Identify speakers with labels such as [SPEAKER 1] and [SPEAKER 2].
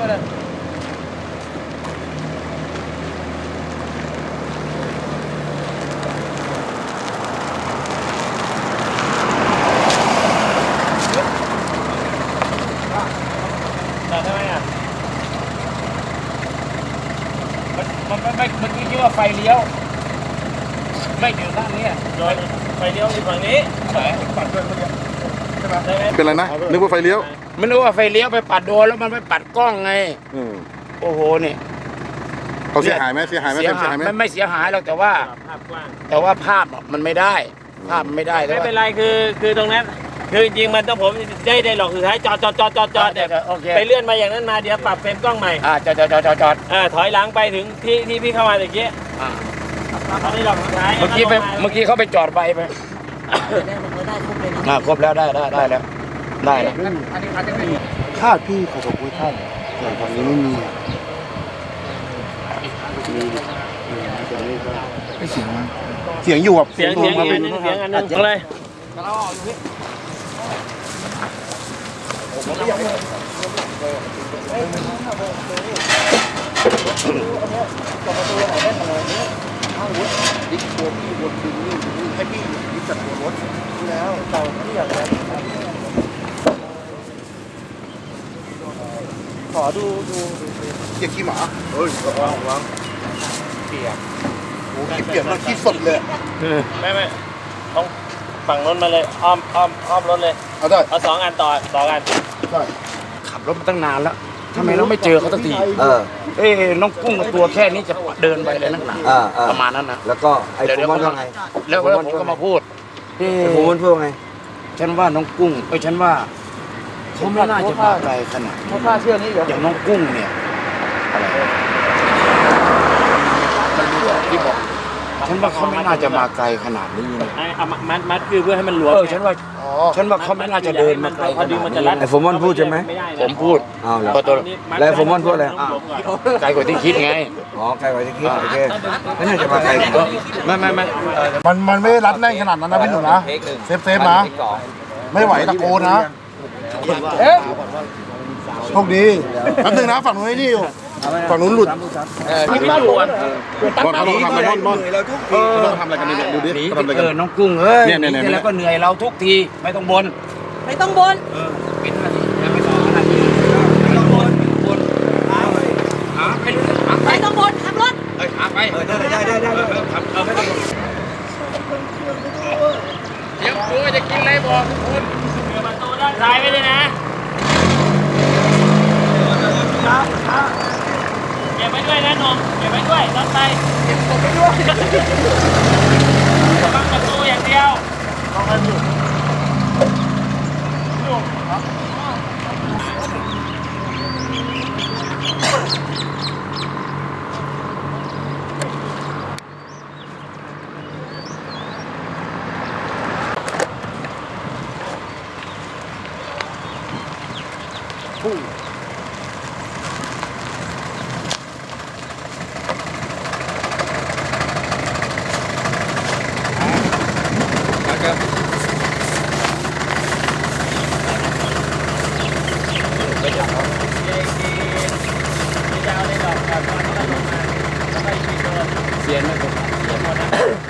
[SPEAKER 1] มาเลยทำไมอ่ะมันไม่เมื่อกี้คิดว่าไฟเลี้ยวไม่อยู่ด้านนี้ไฟเลี้ยวอยู่ฝั่งนี้ปัดด้วยเมื่อกี้ใช่ไหม
[SPEAKER 2] เป็นไรนะนึกว่าไฟเลี้ยว
[SPEAKER 1] ไม่รู้ว่าไฟเลี้ยวไปปัดโดนแล้วมันไปปัดกล้องไงโอ้โหนี่
[SPEAKER 2] เขาเสียหายไหมเสียหายไหม
[SPEAKER 1] ไม่เสียหายหรอกแต่ว่าภาพมันไม่ได้ภาพไม่ได้
[SPEAKER 3] ไม่เป็นไรคือตรงนั้นคือจริงมันต้องผมได้หรอกสุดท้ายจอดแต่ไปเลื่อนมาอย่างนั้นมาเดี๋ยวปรับเฟรมกล้องใหม่
[SPEAKER 1] จอด
[SPEAKER 3] ถอยหลังไปถึงที่พี่เข้ามาตะกี้ตอนนี้หลอกสุดท้าย
[SPEAKER 1] เมื่อกี้เขาไปจอดไปครบแล้วได้แล้ว
[SPEAKER 2] คาดพี่ขอบอกไว้ท่านแต่ตอนนี้ไม่มีไม่เสียงมั้งเสียงอยู่แบบ
[SPEAKER 3] เสียงอันนึงเลย
[SPEAKER 2] ดิ๊กตัวพี่วนดึงนี่ให้พี่ดิ๊กจัดตัวรถแล้วเต่าที่อยากได้ขอดูเกียร์ขี้หมาเฮ้ยวางเปียกโอ้ขี้เปียกมากขี้สดเลย
[SPEAKER 3] ไม่ต้องฝั่งรถมาเลยอ้อมรถเลยเอา2 อันต่อกัน
[SPEAKER 1] ขับรถมาตั้งนานแล้วทำไมเราไม่เจอเขาสักทีน้องกุ้งตัวแค่นี้จะเดินไปเลยนักหนาประมาณนั้นนะ
[SPEAKER 4] แล้วก็ไอ้ผมว่าไง
[SPEAKER 1] แล้วผมก็มาพูด
[SPEAKER 4] ผมพูดไง
[SPEAKER 1] ฉันว่าน้องกุ้งฉันว่าเขาไม่น่าจะมาไกลขนาด
[SPEAKER 4] เขาฆ่าเชื่อนี้
[SPEAKER 1] อย่างน้องกุ้งเนี่ยอะไรที่บอกฉันว่าเขาไม่น่าจะมาไกลขนาดนี้นะ
[SPEAKER 3] มัดคือเพื่อให้มันหลวม
[SPEAKER 1] ฉันว่าเขาไม่น่าจะเดินมาไกลขนาดนี้
[SPEAKER 4] ไอ้ผมพูดใช่ไหม
[SPEAKER 1] ผมพูด
[SPEAKER 4] แล้วผมพูดอะไร
[SPEAKER 1] ไกลกว่าที่คิดไง
[SPEAKER 4] ไกลกว่าที่คิดโอเคไม่น่าจะมาไกล
[SPEAKER 2] ไม่มันไม่รัดแน่นขนาดนั้นนะพี่หนูนะเซฟนะไม่ไหวตะโกนนะโชคดีแป๊บนึงนะฝั่งนู้นนี่อยู่ฝั่งนู้นหลุด
[SPEAKER 1] ไม่อยู่อ่ะ
[SPEAKER 2] บอลเขาต้องทำอะไรบอลเขาต้องทำอะไรกันเนี่ยดูดิทำอะไรกัน
[SPEAKER 1] น้องกุ้งเนี่ยแล้วก็เหนื่อยเราทุกทีไม่ต้องบ่น
[SPEAKER 5] เป็นนาที
[SPEAKER 1] ไม่ต้องนาทีไม่ต้องบ่น
[SPEAKER 5] ไม่ต้องบ่นขับรถ
[SPEAKER 1] หาไป
[SPEAKER 4] ได้
[SPEAKER 1] ไม่ต้องเดี๋ยวกูจะกินอะไรบอกทุกคน
[SPEAKER 3] เปิดประตูด้านซ้ายไว้ด้วยนะเก็บไว้ด้วยนะนมเก็บไว้ด้วยด้านซ้ายเก็บไว้ด้วยบังประตูอย่างเดียวต้องให้อยู่